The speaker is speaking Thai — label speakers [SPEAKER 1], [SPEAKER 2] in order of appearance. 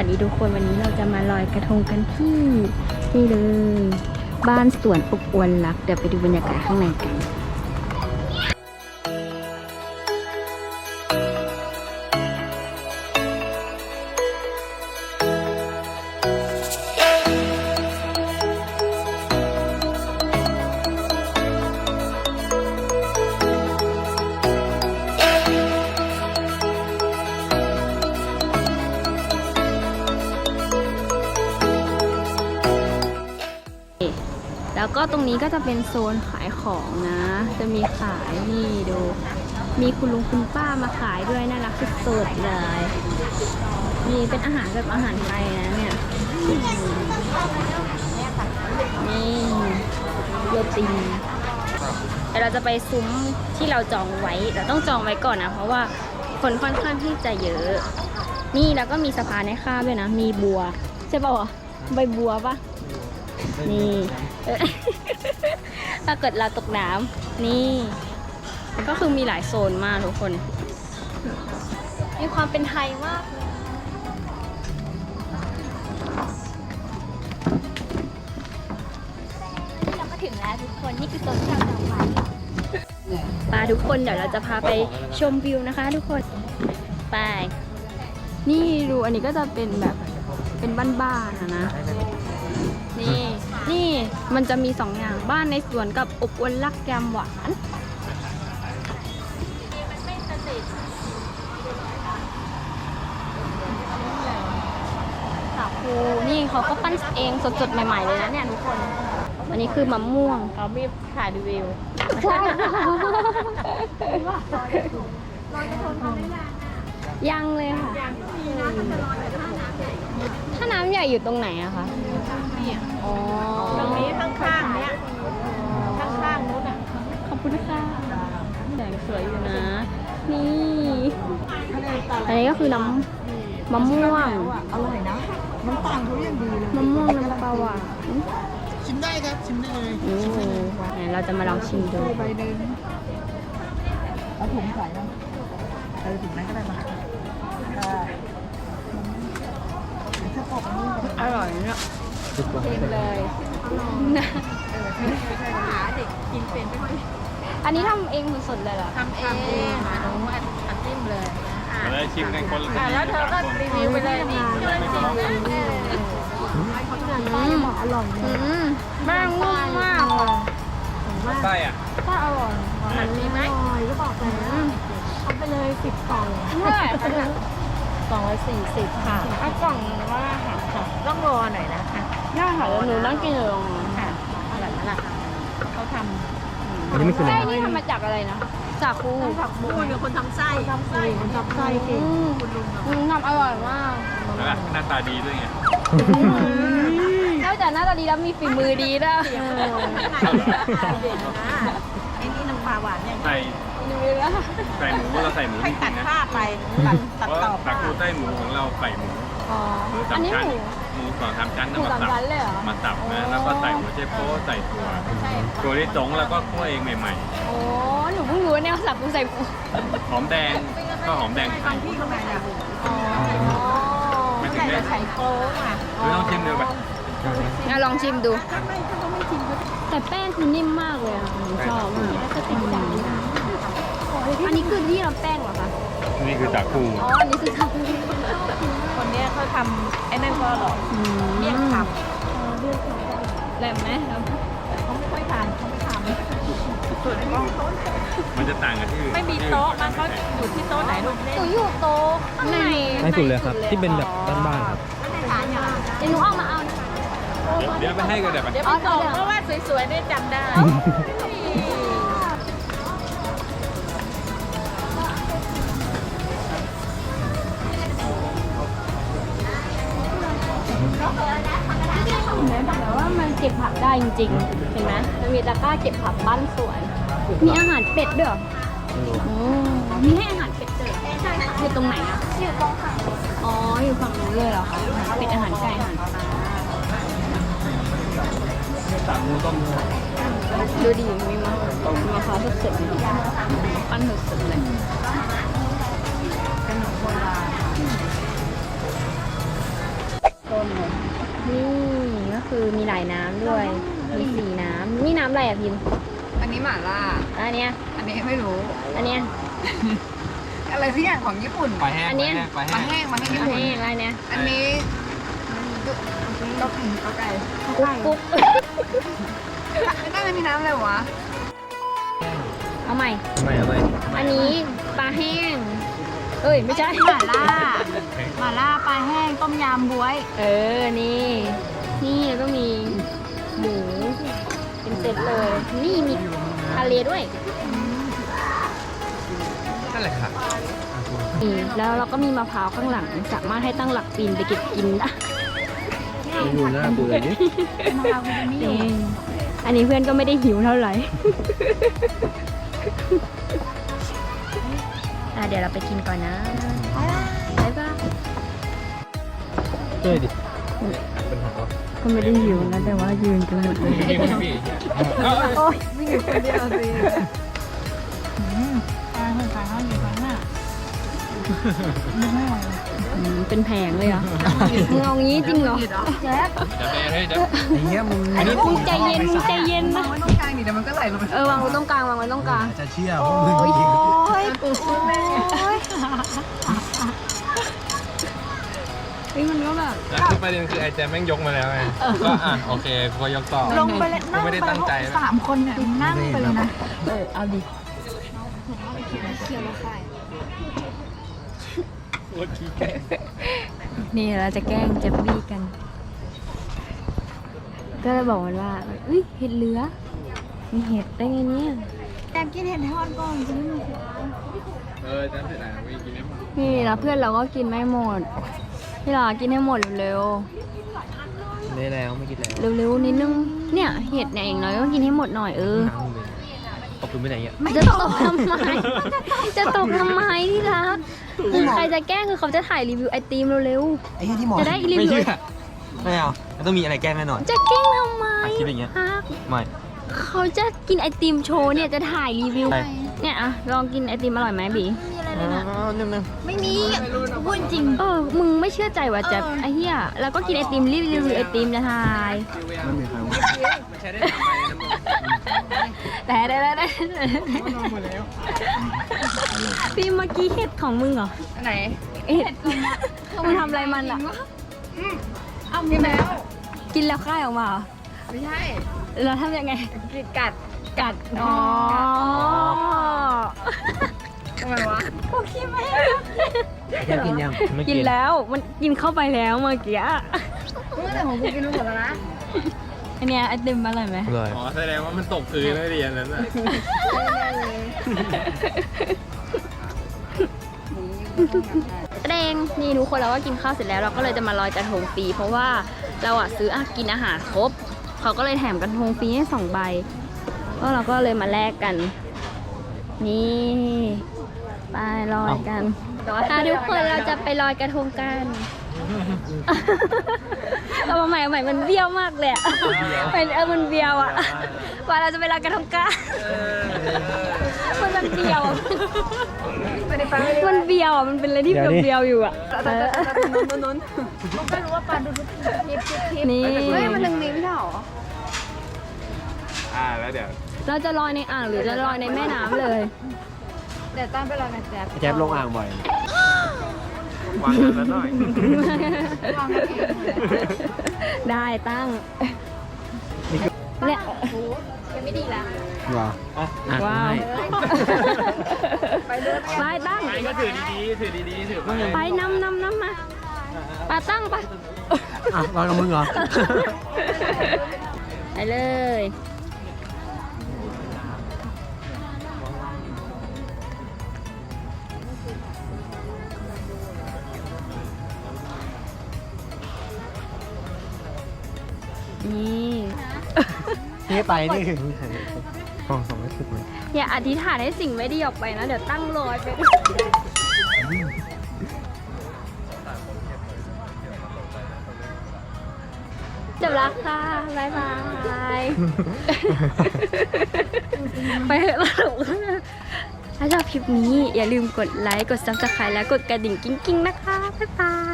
[SPEAKER 1] วัสดีทุกคนวันนี้เราจะมาลอยกระทงกันที่นี่เลยบ้านสวนอบอวลรักเดี๋ยวไปดูบรรยากาศข้างในกันแล้วก็ตรงนี้ก็จะเป็นโซนขายของนะจะมีขายนี่ดูมีคุณลุงคุณป้ามาขายด้วยน่ารักสุดๆเลยมีเป็นอาหารแบบอาหารไทยนะเนี่ยนี่โรตีแต่เราจะไปซุ้มที่เราจองไว้เราต้องจองไว้ก่อนนะเพราะว่าคนค่อนข้างที่จะเยอะนี่แล้วก็มีสะพานให้ข้ามด้วยนะมีบัวใช่ป่าวใบบัวปะนี่ถ้าเกิดเราตกน้ำนี่ก็คือมีหลายโซนมากทุกคนมีความเป็นไทยมากเลยเราก็ถึงแล้วทุกคนนี่คือโซนที่เราจองไว้ปาทุกคนเดี๋ยวเราจะพาไปชมวิวนะคะทุกคนไปนี่ดูอันนี้ก็จะเป็นแบบเป็นบ้านๆนะนี่มันจะมี2 อย่างบ้านในสวนกับอบอวลรักแกมหวานสาคูนี่เขาก็ปั้นเองสดๆใหม่ๆเลยนะเนี่ยทุกคนอันนี้คือมะม่วงเขามีถ่ายรีวิวใช่ยังเลยค่ะถ้าน้ำใหญ่อยู่ตรงไหนอะคะอ๋อ
[SPEAKER 2] ตรงนี้ข้างๆเนี้ยข้างๆนู้นอ่ะ
[SPEAKER 1] ขอบคุณค่ะแสงสวยอยู่นะนี่อันนี้ก็คือน้ำมะม่วง
[SPEAKER 2] อร่อยนะน้ำตาลเขายังดีเลย
[SPEAKER 1] มะม่วงน้ำปลาหวาน
[SPEAKER 2] ชิมได้ครับชิมได้เลย
[SPEAKER 1] เราจะมาลองชิมดู
[SPEAKER 2] ใบนึงเอาถุงใส่นะถุงนั้นก็ได้มา
[SPEAKER 1] อร่อยเนาะชิมเลยนะ
[SPEAKER 2] หาเด็กกินเป็นไม่ค่อย
[SPEAKER 1] อันนี้ทำเองสดๆเลยเหรอ
[SPEAKER 2] ทำเองหนูอัดจิ้มเลย
[SPEAKER 3] แล้วชิมกันคนละ
[SPEAKER 2] แล้วเธอก็รีวิวไปเลยนี่ช่วยชิมเลย
[SPEAKER 1] อร่อยแม่งนุ่มมาก
[SPEAKER 3] ไส้อ่ะ
[SPEAKER 1] ก็อร่อย
[SPEAKER 2] มันมีไหม
[SPEAKER 1] ก็บอกเลยทำไปเลย10 กล่อง240ค่ะ
[SPEAKER 2] เอากล่องว่าค่ะต้องรอหน่อยนะคะ
[SPEAKER 1] ได้ค่ะแล้วหนูนั่งกินอยู่ตรงนั้น
[SPEAKER 2] ค่ะแบบนั้นแหละเขาทำ
[SPEAKER 3] อันนี้ไม่คืออะไร
[SPEAKER 1] ไส้นี่ทำมาจากอะไรนะจากคู
[SPEAKER 2] คุณเป็นคนทำไส้คนทำไส้เก่ง
[SPEAKER 1] คุณลุงทำอร่อยมาก
[SPEAKER 3] หน้าตาดีด้วยไง
[SPEAKER 1] นอกจากหน้าตาดีแล้วมีฝีมือดีด้วย
[SPEAKER 2] ไอ้นี่น้ำปลาหวานเนี่ย
[SPEAKER 3] ใส่หมูเราใส่หมูจริงๆนะ
[SPEAKER 2] ผ้าไปตัดต่อ
[SPEAKER 3] ตะกูใต้หมูของเราใส่หมู
[SPEAKER 1] อันนี้
[SPEAKER 3] หมู2 3 ชั้น
[SPEAKER 1] มา
[SPEAKER 3] สับนะแล้วก็ใส่หัวเชฟโป้ใส่ตัวลิสงแล้วก็คั่วเองใหม่
[SPEAKER 1] ๆโอ้หนูเพิ่งรู้เนี่ยสับกูใส่
[SPEAKER 3] หอมแดงก็หอมแดงไทย
[SPEAKER 2] ที่ข้างในอ่ะ
[SPEAKER 3] ไม่ถึงได้
[SPEAKER 2] ใส่โค้งอ่ะ
[SPEAKER 3] ไม่ต้องชิมดูไป
[SPEAKER 1] ลองชิมดูแต่แป้งคือนิ่มมากเลยอ่ะชอบมากอันนี้คือที่เราแป้งเหรอคะ
[SPEAKER 3] นี่คือจากคู
[SPEAKER 1] อันนี้คือจากคู
[SPEAKER 2] คนนี้เขาทำไอ้นั่นก็อร่อยเมี่ยงคำ
[SPEAKER 1] แหลมไหม
[SPEAKER 2] เขาไม่ค่อยทานเขาไม่ทำส่วนกล้อง
[SPEAKER 3] มันจะต่างกันที่
[SPEAKER 2] ไม่มีโต๊ะมันเขาอยู่ที่โต๊ะไหนลูก
[SPEAKER 1] หนูอยู่โต๊ะข้างใน
[SPEAKER 4] ไม่สุดเลยครับที่เป็นแบบบ้านๆครับ
[SPEAKER 1] เดี๋ยวหนูเอามาเอา
[SPEAKER 3] เดี๋ยวไปให้กันเดี๋ยวไป
[SPEAKER 2] เดี๋ยวไปส่งเพราะว่าสวยๆได้จำได้
[SPEAKER 1] แต่ว่ามันเก็บผักได้จริงๆเห็นไหมมันมีตะกร้าเก็บผักบ้านสวนมีอาหารเป็ดด้วยเหรอมีให้อาหารเป็ดด้วยใช่ค่ะอยู่ตรงไหนอ่ะอยู่ตรงฝั่งอ๋ออยู่ฝั่งนู้นเลยเหรอคะเป็ดอาหารไก่อาหารปลาดูดิมีมะพร้าวสดๆปั้นสดๆเลยขนมโบราณคือมีหลายน้ำด้วย มี4น้ำนี่น้ำอะไรอ่ะพิมพ์
[SPEAKER 2] อันนี้หม่าล่า
[SPEAKER 1] อันเนี้ย
[SPEAKER 2] อันนี้ไม่รู้
[SPEAKER 1] อันเนี้ย
[SPEAKER 2] อะไรสักอย่างของญี่ปุ่น
[SPEAKER 3] ปลาแห้ง
[SPEAKER 1] อันเนี้ย
[SPEAKER 3] ปลา
[SPEAKER 2] มา
[SPEAKER 3] แห้ง
[SPEAKER 2] แห้งมาแห้งญี่
[SPEAKER 1] อัน
[SPEAKER 2] ปุ่น
[SPEAKER 1] นี้อะไรเนี้ย
[SPEAKER 2] อันนี้ก็ไก่
[SPEAKER 1] กุ๊ก
[SPEAKER 2] ไม่ได้ไม่มีน้ำเลยวะ
[SPEAKER 1] เอาใหม่
[SPEAKER 4] ทำไมอะไร
[SPEAKER 1] อันนี้ปลาแห้ง เอ้ยไม่ใช่
[SPEAKER 2] หม่าล่าหม่าล่าปลาแห้งต้มยำบ๊วย
[SPEAKER 1] เออ นี่ นี่แล้วก็มีหมูเป็นเซตเลย นี่มีทะเลด้วย
[SPEAKER 3] นั่นแหละค่ะ
[SPEAKER 1] นี่แล้วเราก็มีมะพร้าวข้างหลัง สามารถให้ตั้งหลักปีนไปเก็บกินได้
[SPEAKER 4] ดูหน้ากูเลยดิ
[SPEAKER 1] นี่อันนี้เพื่อนก็ไม่ได้หิวเท่าไหร่ เดี๋ยวเราไปกินก่อนนะบ๊ายบาย
[SPEAKER 4] ช่วยดิ
[SPEAKER 1] ก็ไม่ได้หิวนะแต่ว่ายืนกันหมดเลย
[SPEAKER 3] พี่พี่พี่
[SPEAKER 1] โอ้ย
[SPEAKER 2] ไม่อยู่คนเดียวสิปลาหัวขาเขาอยู่ข้างหน้าไม่ไหว
[SPEAKER 1] เป็นแผงเลยเหรอมึงเอางี้จริงเหรอแจ๊บ
[SPEAKER 3] จะไปให้จะ
[SPEAKER 4] ไอ้เหี้ยมึง
[SPEAKER 1] มึงใจเย็นมึงใจเย็นนะ
[SPEAKER 2] วางไว้ตรงกลางนี่เดี๋ยวมันก็ไหลลงไป
[SPEAKER 1] วางไว้ตรงกลางวางไว้ตรงกลาง
[SPEAKER 4] จะเชื่อพวกมึง
[SPEAKER 1] โอ้ย
[SPEAKER 4] จริง
[SPEAKER 1] โอ้ยมันก็แบบ
[SPEAKER 3] แล้วคือประเด็นคือไอ้แจมแม่งยกมาแล้วไงก็โอเคกูก็ยกต่อ
[SPEAKER 2] ลงไปเลยนั่ง
[SPEAKER 3] ไม่ได้ตั้งใจนะ
[SPEAKER 2] 3 คนเนี่ยนั่งไปเลยนะ
[SPEAKER 1] เอาดิ นี่เราจะแกล้งเจฟฟี่กัน ก็เลยบอกมันว่าเอ้ยเห็ดเหลือ มีเห็ดได้ไงเนี่ย
[SPEAKER 2] อยากกินเห็ดทอดก่อนจะไม่มีเสียง
[SPEAKER 3] จะเสร็จแล้วไม่กินได้หมด
[SPEAKER 1] นี่แล้วเพื่อนเราก็กินไม่หมด พี่หลากินให้หมดเร็ว
[SPEAKER 4] ได้แล้วไม่กินแล้ว
[SPEAKER 1] ๆ เร็วๆนิดนึง เนี่ยเห็ดเนี่ยอย่างน้อยก็กินให้หมดหน่อย
[SPEAKER 4] น้ำมึงเลยตกปืนไปไหนอ่ะ
[SPEAKER 1] จะตกทำไม จะตกทำไมที่รักใครจะแกล้งคือเขาจะถ่ายรีวิวไอติมเร็ว
[SPEAKER 4] ไอ้ที่หมอ
[SPEAKER 1] ๆ จะได้รี
[SPEAKER 4] ไม่
[SPEAKER 1] วิว
[SPEAKER 4] เชื่อไม่เอามันต้องมีอะไรแกล้งแน่นอน
[SPEAKER 1] จะแกล้งทำไม
[SPEAKER 4] คิดอย่างเงี้ย
[SPEAKER 1] ฮัก
[SPEAKER 4] ไม่
[SPEAKER 1] เขาจะกินไอติมโชว์เนี่ยจะถ่ายรีวิว
[SPEAKER 4] ไป
[SPEAKER 1] เนี่ยอะลองกินไอติมอร่อยไหมบี
[SPEAKER 4] นึง
[SPEAKER 2] ไม่มีพูดจริง
[SPEAKER 1] มึงไม่เชื่อใจว่ะแจ๊บไอ้เหี้ยแล้วก็กินไอติมรีวิวไอติมจะถ่าย
[SPEAKER 4] มันมีใครวะ
[SPEAKER 3] มันใช้ได้ทำไมนะมึง
[SPEAKER 1] แต่ได้พี่เมื่อกี้เห็ดของมึงเหรอ
[SPEAKER 2] ไหน
[SPEAKER 1] เห็ดมึงทำอะไรมันอ่ะ
[SPEAKER 2] เอากินแล้ว
[SPEAKER 1] กินแล้วค่ายออกมาเหรอ
[SPEAKER 2] ไม่ใช่
[SPEAKER 1] แล้วทำยังไง
[SPEAKER 2] กัด
[SPEAKER 1] กัด อ๋อ
[SPEAKER 2] ทำไมวะ
[SPEAKER 1] โอเคไหม
[SPEAKER 4] แค่กินยังไม่
[SPEAKER 1] กินแล้วมันกินเข้าไปแล้วเมื่อกี้
[SPEAKER 2] เมื่อแต่ของกูกินไปหมดแล้วนะ
[SPEAKER 1] อันเนี้ยไอติมอร่อยไหม
[SPEAKER 4] เลย
[SPEAKER 3] อ๋อแสดงว่ามันตกพื้นแล้วเรียนนั้นน่ะ
[SPEAKER 1] แดงนี่ทุกคนเราก็กินข้าวเสร็จแล้วเราก็เลยจะมาลอยกระทงฟรีเพราะว่าเราอ่ะซื้อกินอาหารครบเขาก็เลยแถมกระทงฟรีให้2 ใบก็เราก็เลยมาแลกกัน นี่ไปลอยกันทุกคนเราจะไปลอยกระทงกันเอาใหม่มันเบี้ยวมากเลยอะมันเบี้ยวอะว่าเราจะไปลอยกระทงกันมันเบี้ยวมันเบี้ยวอะมันเป็นอะไรที่เบี้ยวอยู่อะ
[SPEAKER 2] นู้นมันก็รู้ว่าปลาดูทิพ
[SPEAKER 1] นี่
[SPEAKER 2] เฮ้ยมันหนึ่งนิ้วไม่ใช่หรอ
[SPEAKER 3] แล้วเดี๋ยว
[SPEAKER 1] เราจะลอยในอ่างหรือจะลอยในแม่น้ำเลย
[SPEAKER 2] เดี๋ยวตั้งไปรอนะแจ๊บ
[SPEAKER 4] แจ๊บลงอ่างบ่อย
[SPEAKER 3] วางกันแล้วหน่อย
[SPEAKER 2] วางกันเอง
[SPEAKER 1] ได้ตั้งเนี่ยยังไม่ดีละ
[SPEAKER 4] ว้าวอ่ะ
[SPEAKER 1] ว้าว
[SPEAKER 2] ไปเรื่อย
[SPEAKER 1] ไปตั้ง
[SPEAKER 3] ไอ้ก็ถือดีๆถือดีๆถือไป
[SPEAKER 1] ไปนำมาปาตั้งปะ
[SPEAKER 4] อ่ะรอกับมึงเหรอ
[SPEAKER 1] ไปเลยนี่
[SPEAKER 4] นี่ไปนี่คือของสองไม่สุดเลย
[SPEAKER 1] อย่าอธิษฐานให้สิ่งไม่ดีออกไปนะ เดี๋ยวตั้งลอยไปจบแล้วค่ะ บ๊ายบาย ไปเถอะสรุปถ้าชอบคลิปนี้อย่าลืมกดไลค์ กด Subscribe และกดกระดิ่งกิ้งๆนะคะ บ๊ายบาย